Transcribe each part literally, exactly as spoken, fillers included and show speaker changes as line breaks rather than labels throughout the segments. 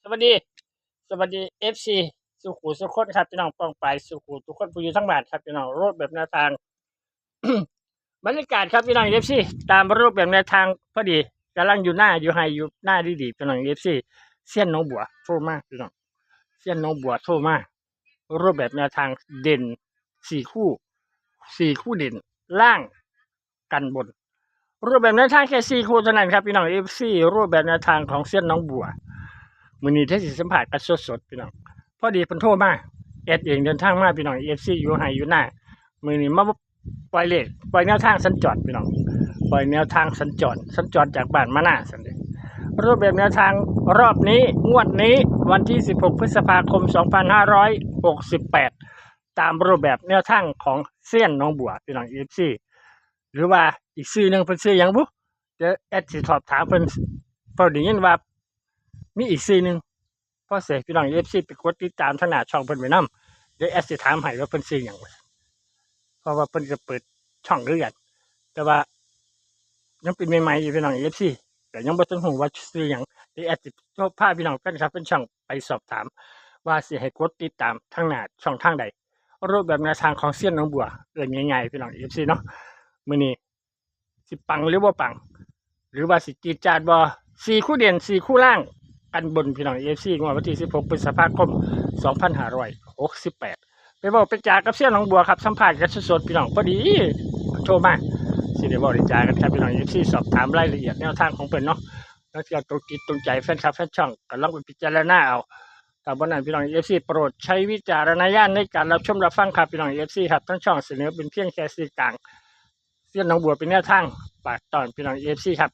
สวัสดีสวัสดีเอฟซีสุขุสุขคนครับพี่น้องป้องไปสุขุทุกคนผู้อยู่ทั้งบ้านครับพี่น้องรูปแบบแนวทาง บรรยากาศครับพี่น้องเอฟซีตามรูปแบบแนวทางพอดีกำลังอยู่หน้าอยู่ไฮอยู่หน้าดีดีพี่น้องเอฟซีเส้ยนน้องบัวโทรมาพี่น้องเส้ยนน้องบัวโทรมารูปแบบแนวทางเด่นสี่คู่สี่คู่เด่นล่างกันบน รูปแบบแนวทางแค่สี่คู่เท่านั้นครับพี่น้องเอฟซีรูปแบบแนวทางของเส้ยนน้องบัวมื้อนี้ที่สิสัมผัสกันสดๆพี่น้องพอดีเพิ่นโทรมาแอดเองเดินทางมาพี่น้อง เอฟ ซี อยู่ไห้อยู่หน้ามื้อนี้มาปล่อยเลขปล่อยแนวทางสัญจรพี่น้องปล่อยแนวทางสัญจรสัญจรจากบ้านมาหน้าซั่นเด้รูปแบบแนวทางรอบนี้งวดนี้วันที่สิบหกพฤษภาคมสองพันห้าร้อยหกสิบแปดตามรูปแบบแนวทางของเส้ยนน้องบัวพี่น้อง เอฟ ซี หรือว่าอีกชื่อหนึงเพิ่นชื่อหยังบุเดี๋ยวแอดสิสอบถามเพิ่นเพราะได้ยินว่ามีอีกชื่อหนึงพอเสร็จพี่น้อง เอฟ ซี ไปกดติดตามทางหน้าช่องเพิ่นไว้นำเดี๋ยวแอดสิถามให้ว่าเพิ่นชื่อหยังเพราะว่าเพิ่นจะเปิดช่องคือกันแต่ว่ายังเป็นใหม่ๆอยู่พี่น้อง เอฟ ซี แต่ยังบ่ทันฮู้ว่าชื่อหยังเดี๋ยวแอดสิพาพี่น้องกันครับเป็นช่องไปสอบถามว่าสิให้กดติดตามทางหน้าช่องทางใดรูปแบบแนวทางของเสี้ยนน้องบัวเอิ้นง่ายๆพี่น้อง เอฟ ซี เนาะมื้อนี้สิปังหรือบ่ปังหรือว่าสิจีดจาดบ่สี่คู่เด่นสี่คู่ล่างกันบนพี่น้อง เอฟ ซี งวดวันที่สิบหกพฤษภาคมสองพันห้าร้อยหกสิบแปดไปบอกไปจากับเสี้ยนน้องบัวครับสัมภาษณ์กันสดๆพี่น้องพอดีโทรมาสิได้บอกได้จากันครับพี่น้อง เอฟ ซี สอบถามรายละเอียดแนวทางของเพิ่นเนาะแล้วที่ตรงจิตตรงใจแฟนคลับแฟนช่องก็ลองไปพิจารณาเอาแต่บ่นั้นพี่น้อง เอฟ ซี โปรดใช้วิจารณญาณในการรับชมรับฟังครับพี่น้อง เอฟ ซี ครับทั้งช่องเสนอเป็นเพียงแค่สื่อกลางเสี้ยนน้องบัวเป็นแนวทางฝากตอนพี่น้อง เอฟ ซี ครับ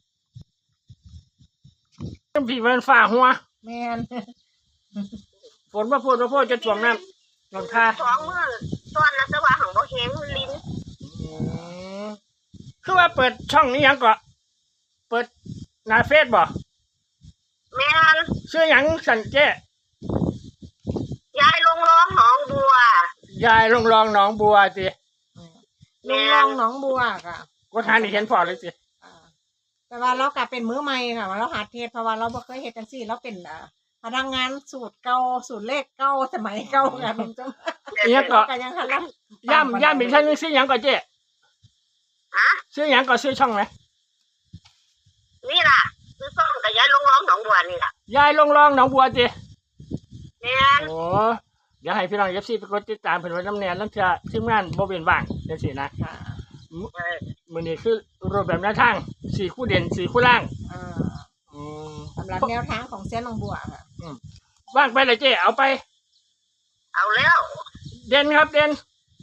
จังพี่มันฟ้าหัว
แม่น
ฝนมาพูดมาพูดจะถ่วงน้ำลงท่า
สองมือตอนแล้วแต่ว่าของบ่เห็นลิ้น
อืมคือว่าเปิดช่องนี้หยังก็เปิดหน้าเฟซบ่
แม่น
ชื่อหยังสันเจ้
ยายลงร้องหนองบัวย
ายลงรองหนองบัวสิ
ลุงลองหนองบัวค่ะ
ก็ทานนี่เห็นพอเลยสิ
อ่าแต่ว่าเรากลับเป็นมื้อใหม่ค่ะว่าเราหัดเทศเพราะว่าเราบ่เคยเฮ็ดจังซี่เราเป็นอ่าพนักงานสูตรเก่าสูตรเลขเก่าสมัยเก่าค่ะลุงจ้า
อีหยังก็
ก็ยังหัดรับ
ย่ำย่ำอีกท่านนึงชื่อหยังก็เจ้
ฮะ
ชื่อหยังก็ชื่อช่องไหม
นี่ล่ะคือซ่องกับยายลงร้องหนองบัวนี่ล่ะ
ยายลงรองหนองบัวสิ
แม่น
โอ้เดี๋ยวให้พี่น้อง เอฟ ซี ไปกดติดตามเพิ่นไว้น้ำแน่แล้วจะทีมงานบ่เป็นว่างจังซี่นะ
ค่ะ
เออ
มื้อนี้คือรูปแบบแนวทางสี่คู่เด่นสี่คู่ล่าง
อ่า
อืม
สำหรับแนวทางของเส้นหนองบัวค่ะ
ว่างไปเลยเจ้เอาไป
เอาแล้ว
เด่นครับเด่น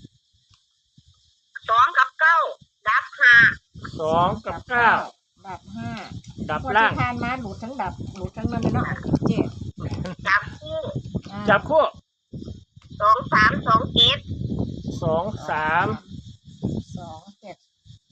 สองกับเก้าดับห้า
สองกับเก้า
ดับห้า
ดับ
พอ
ล่าง
ที่ทานมาหลุดทั้งดับหลุดทั้งนั้นเลยเนาะเจ๊
จับคู่
อ่า
จับคู่
สองสามสองเจ็ด
สองสาม
สองเจ็ด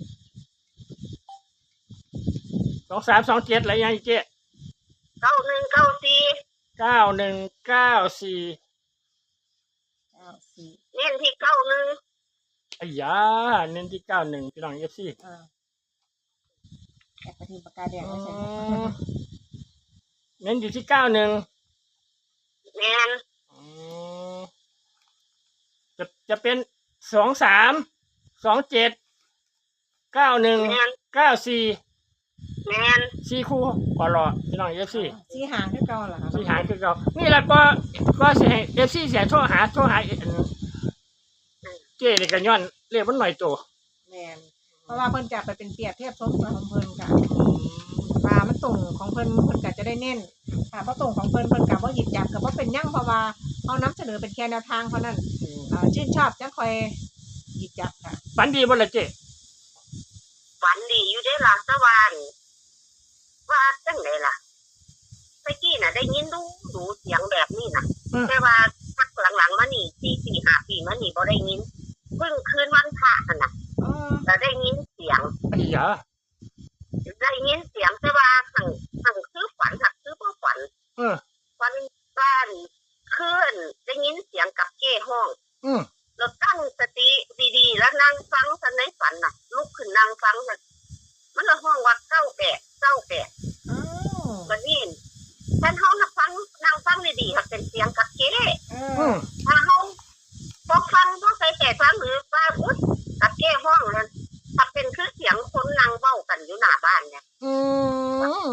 สองสามสองเจ็ดอะไรยังอีกเจ๊
เก้าหนึ่งเก้าสี่
เก้าหนึ่งเก้าสี่
เก้าสี่
เน้นที่เก้าหนึ่ง
อ้ยาเน้นที่เก้าหนึ่งพี่น้องเอฟซี
อ่าแอบไปทีปากกาแดงไม่ใช่ไหม
เน้นอยู่ที่เก้าหนึ่ง
แม่น
จะจะเป็นสองสามสองเจ็ดเก้าหนึ่ง
แม่น
เก้าสี่
แม่น
สี่คู่พอรอพี่น้องเอฟซี
สีหางคือเก่าเหรอคะ
สี่หางคือเรานี่แหละก็ก็เสียเอฟซีเสียโทรหาโทรหาอันเจ๊นี่กันย้อนเรียกมันหน่อยโต
แมนเพราะว่าเพิ่นจะไปเป็นเปรียบเทียบสมกับของเพิ่นค่ะว่ามันตรงของเพิ่นเพิ่นก็จะได้เน้นค่ะเพราะตรงของเพิ่นเพิ่นก็บ่หยิบจับก็บ่เป็นหยังเพราะว่าเอานำเสนอเป็นแค่แนวทางเท่านั้นอ่าชื่นชอบจังค่อยหยิบจับค่ะ
ฝันดีบ่ละเจ๊
ฝันดีอยู่ได้อล่ะสวานว่าจังไดล่ะเมื่อกี้น่ะได้ยินดูดูเสียงแบบนี้น่ะ แต่ว่าพักหลังๆมานี่สี่สี่ห้าปีมานี่บ่ได้ยินเพิ่งคืนวันพระนั่นน่ะ
อ๋อ
แต่ได้ยินเสียง
ไอ้ยา
ได้ยินเสียงแต่ว่าสั่งสั่งซื้อฝันหักซื้อบ่ฝัน
เออ
ฝันบ้านคืนได้ยินเสียงกับเก้ห้อง
อืม
แล้วตั้งสติดีๆแล้วนั่งฟังทันในฝันน่ะลุกขึ้นนั่งฟังน่ะมันละห้องว่าเก้าแปดเก้าแปด
อ๋อ
บัดนี้ท่านเฮาน่ะฟังงดีๆค่ะเป็นเสียงกับเก้
เอ
อื
อ
ม
ถ้าเขาพอฟังพอใส่ใจฟังหรือว่าอุ๊ยกับเก้ห้องเลยถ้าเป็นคือเสียงคนนั่งเบ้ากันอยู่หน้าบ้านเนี่ย
อืม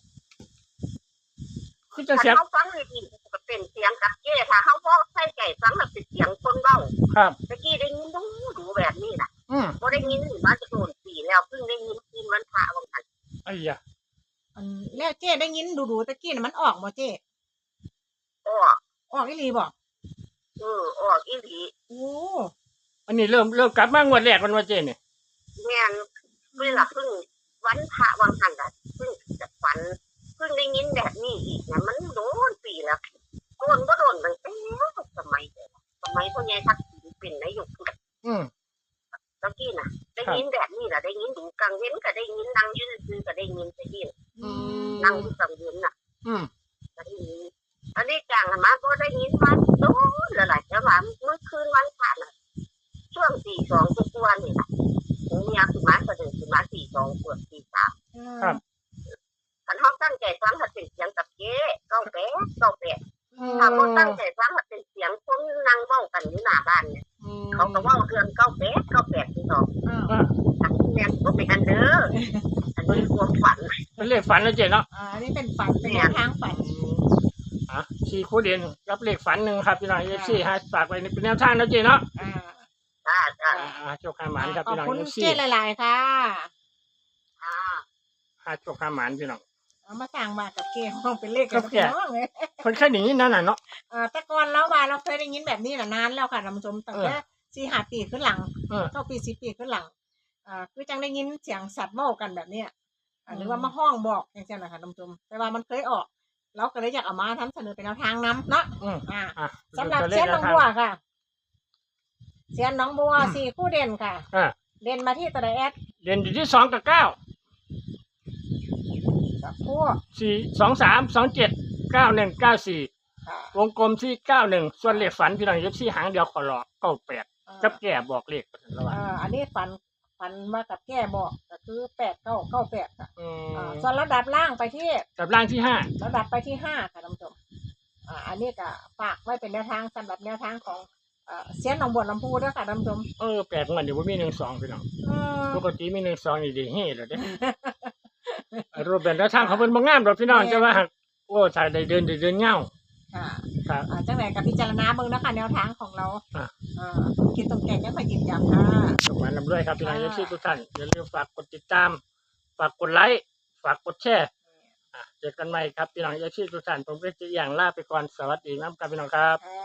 คือจะ
ถ้า
เสียง
เขาฟังดีๆก็เป็นเสียงกับเก้ถ้าเขาพอใส่ใจฟังแล้วเป็นเสียงคนเบ้า
ครับ
ตะกี้ได้ยินดูดูแบบนี้นะ
อืม
บ่ได้ยินมาจะโดนปีแล้วเพิ่งได้ยินคืนวันพระวันนั้น
ไอ้ยะ
อันแล้วเจ้ได้ยินดูๆตะกี้น่ะมันออกบ่เจ้
อ้อ
ออกอีหลีบ่
เออออกอีหลี
โอ้
อันนี้เริ่มเริ่มกลับมางวดแรกมันว่าเจเนี่ย
แม่นเวลาเพิ่งวันพระวันหันน่ะเพิ่งจะฝันเพิ่งได้ยินแบบนี้อีกนะมันโดนปีแล้วโดนก็โดนตั้งแต่สมัยเดียวสมัยพ่อใหญ่ทักษิณเป็นนายก
อืม
ตะกี้น่ะ ได้ยินแบบนี้ล่ะได้ยินดูกลางเว้นก็ได้ยินนั่งอยืนซื่อก็ได้ยินตะกี้
อืม
นั่งอยู่กลางเว้นน่ะ
อืม
ก็ได้ยินอันนี้จังมาก็ได้ยินมาโดนแล้วล่ะจะว่าเมื่อคืนวันพระน่ะช่วงตีสองทุกวันนี่ล่ะผมอยากสิมาก็เดินสิมาตีสองเกือบตีสาม
ครับ
คันเฮาตั้งใจฟังถ้าเป็นเสียงกับเจ๊เก้าแปดเก้าแปด
อืม
ถ้าบ่ตั้งใจฟังถ้าเป็นเสียงคนนั่งเว้ากันอยู่หน้าบ้านเนี่ย
อืม
เขาก็เว้าเรื่องเก้าแปดเก้าแปดที่สอง
อ้าว
อ่า
อันนี้แม่นบ่เป็นอันเด้ออันนี้ความฝัน
เป็นเลขฝันแล้วเจเนาะ
อ่าอันนี้เป็นฝันเป็นแนวทางฝัน
อ่ะสี่คู่เด่นรับเลขฝันหนึ่งครับพี่น้องเอฟซีฮะฝากไว้ในเป็นแนวทางนะเจเนาะ
อ่า
จ้าจ้า
อ่าอ่าโชคขาหมานครับ
ขอ
พี่
บ
น้อง
คุณ
เอฟซี
เจ้หลายๆค่ะ
อ่า
หาโชคขาหมานพี่น้อง
เอามาสั่งมากับเกห้องเป็นเลข
ครั
กับบ
แก
น้องเลย
คนแค่หนีนั่นน่ะเนาะ
อ่าแต่ก่อนแล้วว่าเราเคยได้ยินแบบนี้น่ะนานแล้วค่ะท่านผู้ชมตั้งแต่สี่ห้าปีขึ้นหลัง
เออ
เก้าปีสิบปีขึ้นหลังอ่าคือจังได้ยินเสียงสัตว์เมากันแบบเนี้ยอ่า
อืม
หรือว่ามาห้องบอกอย่างเช่นนะคะท่านผู้ชมแต่ว่ามันเคยออกเราก็เลยอยากเอามาทำเสนอเป็นแนวทางนำเนาะ
อืม
อ่า
อ่ะ
สำหรับ
ตัวเล
เส้
ข
น
แน
น้
ว
อง
ทาง
บัวค่ะเสียนน้องบัวสี่คู่เด่นค่ะ
อ่า
เด่นมาที่ตะไดแอด
เด่นอยู่ที่สองกับเก้า
กับคู่
สี่สองสามสองเจ็ดเก้าหนึ่งเก้าสี่
ค่ะ
วงกลมที่เก้าหนึ่งส่วนเลขฝันพี่น้องเอฟซีหางเดียวขอรอเก้าแปด
อ่า
กับแก่บอกเลขระหว่าง
อ่าอันนี้ฝันฝันมากับแก้บอกก็คือแปดเก้าเก้าแปดค่ะ
อื
อ่าม ส่วนระดับล่างไปที่
กับร่างที่ห้า
ระดับไปที่ห้าค่ะท่านผู้ชมอ่าอันนี้ก็ฝากไว้เป็นแนวทางสำหรับแนวทางของเอ่อเสียนหนองบัวลำพูด้วยค่ะท่านผู้ชม
เออแปลกมันเดี๋ยวว่ามีหนึ่งสองพี่น้อง
อืม
ปกติมีหนึ่งสองนี่ดีเฮ่เลยเด้ รูปแบบแนวทางเขาเป็นบางงามดอกพี่น้องจะว่าหากโอ้ถ่ายได้เดินได้เดินเงา
ค่ะ
ครับ
อ่าจังไหนกับพิจารณาเบิ่งนะคะแนวทางของเรา
อ่ะ
อ่าคิดตรงแก่ก็มาหยิบจับค่ะ
สมานลำด้วยครับพี่น้อง
อ่า
เอฟซีทุกท่านอย่าลืมฝากกดติดตาม ฝากกดไลค์ฝากกดแชร์อ่ะเจอกันใหม่ครับพี่น้องเอฟซีทุกท่านผมก็จะอย่างลาไปก่อนสวัสดีน้ำครับพี่น้องครับ
อ่า